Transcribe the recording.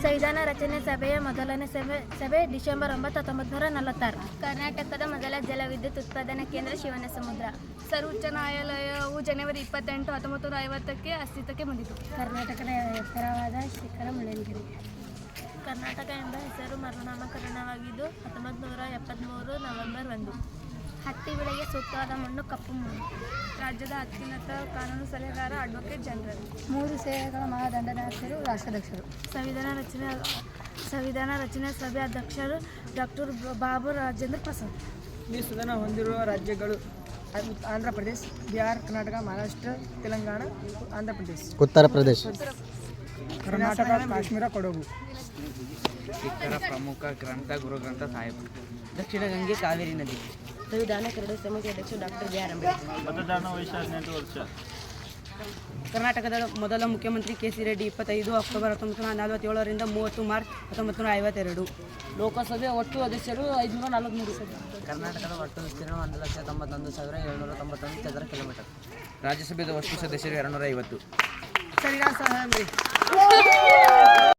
ಸಂವಿಧಾನ ರಚನೆ ಸಭೆಯ ಮೊದಲನೇ ಸಭೆ ಡಿಸೆಂಬರ್ 9, 1946. ಕರ್ನಾಟಕದ ಮೊದಲ ಜಲವಿದ್ಯುತ್ ಉತ್ಪಾದನಾ ಕೇಂದ್ರ ಶಿವನಸಮುದ್ರ. ಸರ್ವೋಚ್ಚ ನ್ಯಾಯಾಲಯವು ಜನವರಿ 28, 1950ಕ್ಕೆ ಅಸ್ತಿತ್ವಕ್ಕೆ ಬಂದಿತು. ಕರ್ನಾಟಕದ ಎತ್ತರವಾದ ಶಿಖರ ಮುಳ್ಳಯ್ಯನಗಿರಿ. ಕರ್ನಾಟಕ ಎಂಬ ಹೆಸರು ಮರುನಾಮಕರಣವಾಗಿದ್ದು 1973 ನವೆಂಬರ್ 1. ಹತ್ತಿ ಬೆಳೆಗೆ ಸೂಕ್ತವಾದ ಮಣ್ಣು ಕಪ್ಪು ಮಣ್ಣು. ರಾಜ್ಯದ ಅತ್ಯುನ್ನತ ಕಾನೂನು ಸಲಹೆಗಾರ ಅಡ್ವೊಕೇಟ್ ಜನರಲ್. 3 ಸೇವೆಗಳ ಮಹಾದಂಡನಾಯಕರು ರಾಷ್ಟ್ರಾಧ್ಯಕ್ಷರು. ಸಂವಿಧಾನ ರಚನೆ ಸಭೆ ಅಧ್ಯಕ್ಷರು ಡಾಕ್ಟರ್ ಬಾಬು ರಾಜೇಂದ್ರ ಪ್ರಸಾದ್. ಈ ಸದನ ಹೊಂದಿರುವ ರಾಜ್ಯಗಳು ಆಂಧ್ರ ಪ್ರದೇಶ, ಬಿಹಾರ, ಕರ್ನಾಟಕ, ಮಹಾರಾಷ್ಟ್ರ, ತೆಲಂಗಾಣ, ಆಂಧ್ರ ಪ್ರದೇಶ, ಉತ್ತರ ಪ್ರದೇಶ, ಕರ್ನಾಟಕ, ಕಾಶ್ಮೀರ, ಕೊಡಗು. ಇತರ ಪ್ರಮುಖ ಗ್ರಂಥ ಗುರುಗ್ರಂಥ ಸಾಹಿಬ್. ದಕ್ಷಿಣ ಗಂಗೆ ಕಾವೇರಿ ನದಿ. ಸಂವಿಧಾನ ಕರಡು ಸಮಿತಿ ಅಧ್ಯಕ್ಷ ಡಾಕ್ಟರ್ ಬಿ ಆರ್ ಅಂಬೇಡ್ಕರ್. ಮತದಾನ ವಯಸ್ಸು 18 ವರ್ಷ. ಕರ್ನಾಟಕದ ಮೊದಲ ಮುಖ್ಯಮಂತ್ರಿ ಕೆ.ಸಿ. Reddy 25 October 1947 30 March 1952. ಲೋಕಸಭೆ ಒಟ್ಟು ಸದಸ್ಯರು 543. ಕರ್ನಾಟಕದ ಒಟ್ಟು ವಿಸ್ತೀರ್ಣ 1,91,791 ಚದರ ಕಿಲೋಮೀಟರ್. ರಾಜ್ಯಸಭೆಯ ಒಟ್ಟು ಸದಸ್ಯರು 250. ಸರಿಯಾದ